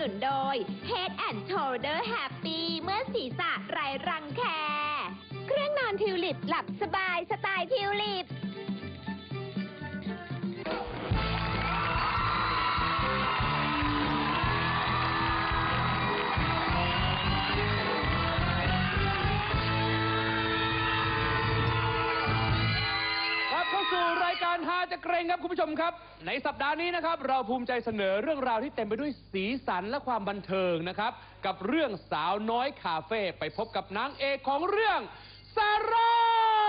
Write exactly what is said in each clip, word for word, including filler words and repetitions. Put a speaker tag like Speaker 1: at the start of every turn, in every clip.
Speaker 1: นุนโดย Head and Shoulder Happy เมื่อศีรษะไร้รังแคเครื่องนอนทิวลิปหลับสบายสไตล์ทิวลิป
Speaker 2: สู่รายการฮาจะเกรงครับคุณผู้ชมครับในสัปดาห์นี้นะครับเราภูมิใจเสนอเรื่องราวที่เต็มไปด้วยสีสันและความบันเทิงนะครับกับเรื่องสาวน้อยคาเฟ่ไปพบกับนางเอกของเรื่องซาร่า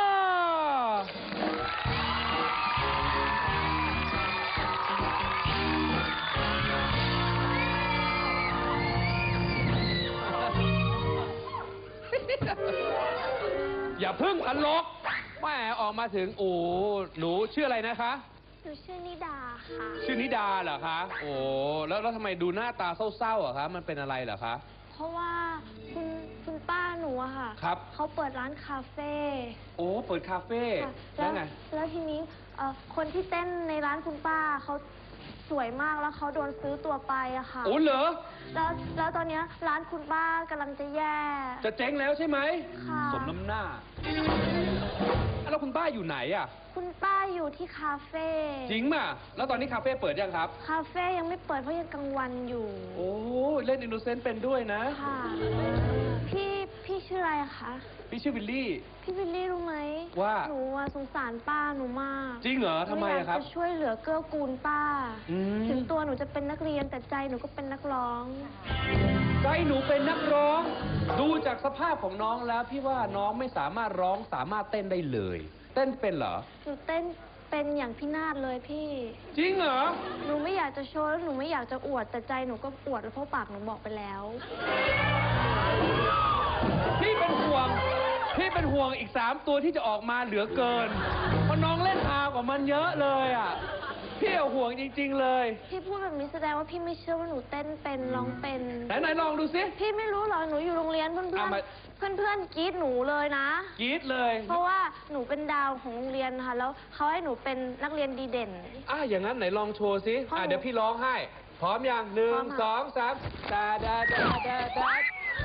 Speaker 2: อย่าพึ่งตลกแม่ออกมาถึงโอ้หนูชื่ออะไรนะคะ
Speaker 3: หนูชื่อนิดาค่ะ
Speaker 2: ชื่อนิดาเหรอคะโอ้แล้วแล้วทำไมดูหน้าตาเศร้าๆอะคะมันเป็นอะไรเหรอคะ
Speaker 3: เพราะว่าคุณคุณป้าหนูอะค่ะ
Speaker 2: ครับ
Speaker 3: เขาเปิดร้านคาเฟ่
Speaker 2: โอ้เปิดคาเฟ่แล้วไง
Speaker 3: แล้วทีนี้คนที่เต้นในร้านคุณป้าเขาสวยมากแล้วเขาโดนซื้อตัวไปอะค่ะ
Speaker 2: โอ้เหรอ
Speaker 3: แล้วแล้วตอนนี้ร้านคุณป้ากำลังจะแย่
Speaker 2: จะเจ๊งแล้วใช่ไหม
Speaker 3: ค่ะ
Speaker 2: สมน้ำหน้าแล้วคุณป้าอยู่ไหนอะ
Speaker 3: คุณป้าอยู่ที่คาเฟ่
Speaker 2: จริงป่ะแล้วตอนนี้คาเฟ่เปิดยังครับ
Speaker 3: คาเฟ่ยังไม่เปิดเพราะยังกลางวันอยู่
Speaker 2: โอ้เล่นอินโนเซนต์เป็นด้วยนะ
Speaker 3: ค่ะพี่พี่ชื่ออะไรคะ
Speaker 2: พี่ชื่อวิลลี่
Speaker 3: พี่วิลลี่รู้ไหม
Speaker 2: ว่า
Speaker 3: หนูสงสารป้าหนูมาก
Speaker 2: จริงเหรอทำไมครับ
Speaker 3: จะช่วยเหลือเกื้อกูลป้าถึงตัวหนูจะเป็นนักเรียนแต่ใจหนูก็เป็นนักร้อง
Speaker 2: ใจหนูเป็นนักร้องดูจากสภาพของน้องแล้วพี่ว่าน้องไม่สามารถร้องสามารถเต้นได้เลยเต้นเป็นเหรอ
Speaker 3: หนูเต้นเป็นอย่างพี่นาฏเลยพี่
Speaker 2: จริงเหรอ
Speaker 3: หนูไม่อยากจะโชว์แล้วหนูไม่อยากจะอวดแต่ใจหนูก็อวดแล้วเพราะปากหนูบอกไปแล้ว
Speaker 2: พี่เป็นห่วงพี่เป็นห่วงอีกสามตัวที่จะออกมาเหลือเกินเพราะน้องเล่นฮากว่ามันเยอะเลยอ่ะพี่เอาห่วงจริงๆเลย
Speaker 3: พี่พูดแบบนี้แสดงว่าพี่ไม่เชื่อว่าหนูเต้นเป็นร้องเป็น
Speaker 2: ไหนไหนลองดูสิ
Speaker 3: พี่ไม่รู้หรอหนูอยู่โรงเรียนเพื่อนเพื่อนเพื่อนเพื่อนกรี๊ดหนูเลยนะ
Speaker 2: กรี๊ดเลย
Speaker 3: เพราะว่าหนูเป็นดาวของโรงเรียนค่ะแล้วเขาให้หนูเป็นนักเรียนดีเด่น
Speaker 2: อ่ะอย่างนั้นไหนลองโชว์สิอ่ะเดี๋ยวพี่ร้องให้พร้อมยังหนึ่งสองสามดาดาดาดาดา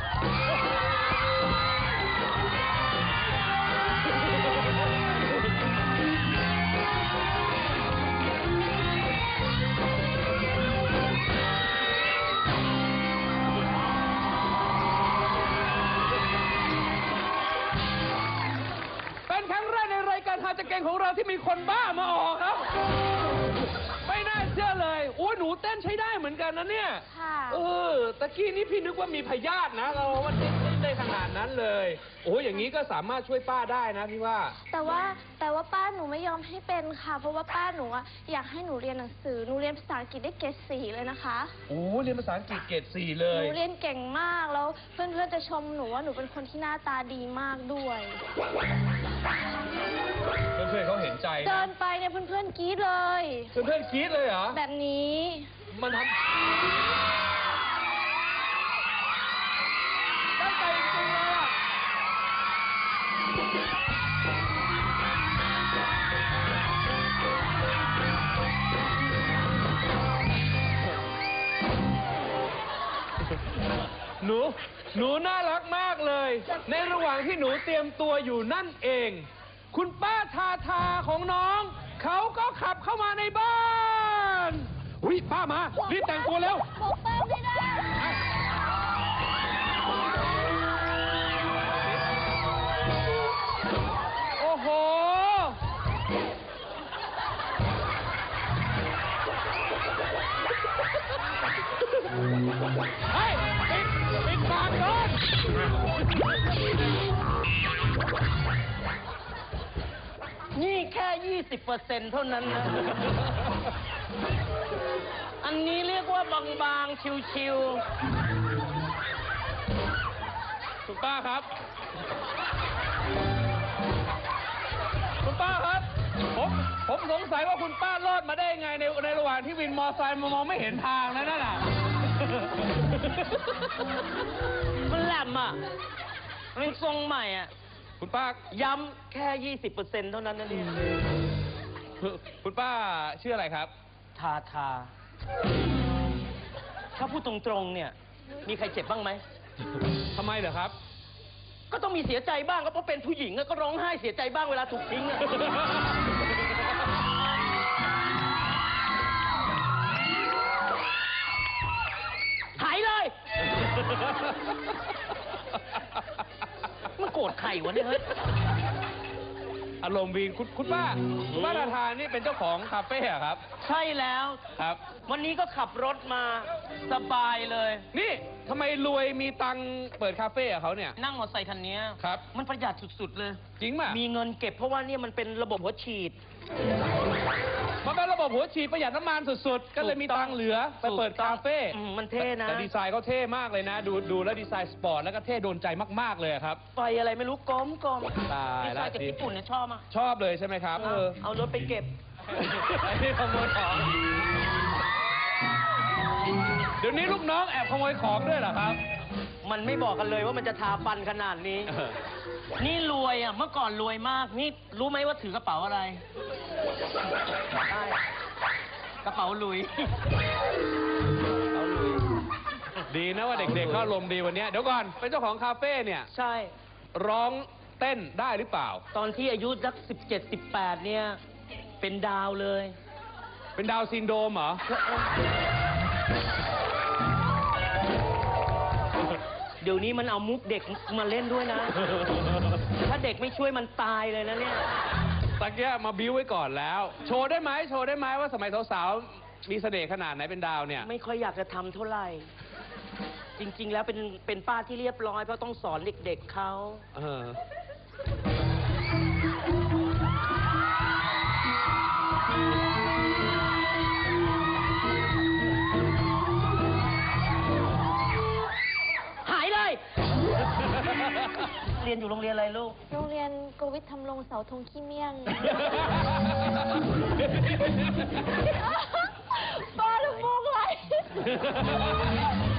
Speaker 2: จะเก่งของเราที่มีคนบ้ามาออกครับไม่น่าเชื่อเลยโอ้หนูเต้นใช้ได้เหมือนกันนะเนี่ยเออตะกี้นี้พี่นึกว่ามีพยาธินะเราว่าเต้นได้ขนาดนั้นเลยโอ้อย่างนี้ก็สามารถช่วยป้าได้นะพี่ว่า
Speaker 3: แต่ว่าแต่ว่าป้าหนูไม่ยอมให้เป็นค่ะเพราะว่าป้าหนูอะอยากให้หนูเรียนหนังสือหนูเรียนภาษาอังกฤษได้เกรดสี่เลยนะคะ
Speaker 2: โอ้เรียนภาษาอังกฤษเกรดสี่เลย
Speaker 3: หนูเรียนเก่งมากแล้วเพื่อนเพื่อนจะชมหนูว่าหนูเป็นคนที่หน้าตาดีมากด้วย
Speaker 2: เพื่อนๆเขาเห็นใจ
Speaker 3: เดินไปเนี่ยเพื่อนๆกรี๊ดเลย
Speaker 2: เพื่อนๆกรี๊ดเลยเหรอ
Speaker 3: แบบนี้
Speaker 2: มันทำได้ใจจริงๆเลยอ่ะหนูหนูน่ารักมากเลยในระหว่างที่หนูเตรียมตัวอยู่นั่นเองคุณป้าทาทาของน้องเขาก็ขับเข้ามาในบ้านอุ้ยป้ามารีบแต่งตัวเร็ว
Speaker 3: บอกป้าไม่ได้
Speaker 2: โอ้โหเฮ้ยปิดปิดปากก่อน
Speaker 4: นี่แค่ ยี่สิบเปอร์เซ็นต์ เท่านั้นนะ อันนี้เรียกว่าบางๆ ชิว
Speaker 2: ๆคุณป้าครับคุณป้าครับผมผมสงสัยว่าคุณป้ารอดมาได้ยังไงในในระหว่างที่วินมอไซค์มองไม่เห็นทางแล้วนั่นน่ะ
Speaker 4: มันแหลมอ่ะมันทรงใหม่อ่ะ
Speaker 2: คุณป้า
Speaker 4: ย้ำแค่ ยี่สิบเปอร์เซ็นต์ เท่านั้นนะเนี่ย
Speaker 2: คุณป้าชื่ออะไรครับ
Speaker 4: ทาทาถ้าพูดตรงๆเนี่ย มีใครเจ็บบ้างไหม
Speaker 2: ทำไมเหรอครับ
Speaker 4: ก็ต้องมีเสียใจบ้างก็เพราะเป็นผู้หญิงอะก็ร้องไห้เสียใจบ้างเวลาถูกทิ้งอะ หายเลย มันโกรธใครวะเนี่ยเฮ้ย
Speaker 2: อารมณ์วีนคุณคุณป้าคุณป้าทาทานี่เป็นเจ้าของคาเฟ่อะครับ
Speaker 4: ใช่แล้ว
Speaker 2: ครับ
Speaker 4: วันนี้ก็ขับรถมาสบายเลย
Speaker 2: นี่ทำไมรวยมีตังค์เปิดคาเฟ่อะเขาเนี่ย
Speaker 4: นั่งมอเตอร์ไซค์คันนี้
Speaker 2: ครับ
Speaker 4: มันประหยัดสุดๆเลย
Speaker 2: จริงป่ะ
Speaker 4: มีเงินเก็บเพราะว่าเนี่ยมันเป็นระบบหัวฉีด
Speaker 2: มันเป็นระบบหัวฉีดประหยัดน้ำมันสุดๆ ก็เลยมีตังค์เหลือไปเปิดคาเฟ่
Speaker 4: อืมมันเท่นะ
Speaker 2: แต่ดีไซน์เขาเท่มากเลยนะ ดูดูแล้วดีไซน์สปอร์ตแล้วก็เท่โดนใจมากๆเลยอะครับ
Speaker 4: ไฟอะไรไม่รู้กลมกลม
Speaker 2: ตาย
Speaker 4: ดีไซ
Speaker 2: ละ
Speaker 4: น์จาก
Speaker 2: สิ
Speaker 4: ญี่ปุ่นเนี่ยชอบอ่ะ
Speaker 2: ชอบเลยใช่ไหมครับ เออ
Speaker 4: เอารถไปเก็บ
Speaker 2: ไอ้นี่ขโมยของ เดี๋ยวนี้ลูกน้องแอบขโมยของด้วยเหรอครับ
Speaker 4: มันไม่บอกกันเลยว่ามันจะทาฟันขนาดนี้ นี่รวยอ่ะ เมื่อก่อนรวยมาก นี่รู้ไหมว่าถือกระเป๋าอะไรใช่กระเป๋าหลุย เอาหลุย
Speaker 2: ดีนะว่าเด็กๆเขาอารมณ์ดีวันเนี้ยเดี๋ยวก่อน เป็นเจ้าของคาเฟ่เนี่ย
Speaker 4: ใช่
Speaker 2: ร้องเต้นได้หรือเปล่า
Speaker 4: ตอนที่อายุสักสิบเจ็ดสิบแปดเนี่ย เป็นดาวเลย
Speaker 2: เป็นดาวน์ซินโดรมเหรอ
Speaker 4: เดี๋ยวนี้มันเอามุกเด็กมาเล่นด้วยนะ ถ้าเด็กไม่ช่วยมันตายเลยนะเนี่ย
Speaker 2: ตะเกียมาบิ้วไว้ก่อนแล้ว โชว์ได้ไหมโชว์ได้ไหมว่าสมัยสาวๆ มีเสน่ห์ขนาดไหนเป็นดาวเนี่ย
Speaker 4: ไม่ค่อยอยากจะทำเท่าไหร่ จริง ๆ แล้วเป็นเป็นป้าที่เรียบร้อยเพราะต้องสอนเด็กๆเขา
Speaker 2: เออ
Speaker 4: หายเลย เรียนอยู่โรงเรียนอะไรลูก
Speaker 3: โรงเรียนโกวิทธรรมรงค์เสาธงขี้เมี่ยง ป้าลูกมุกไร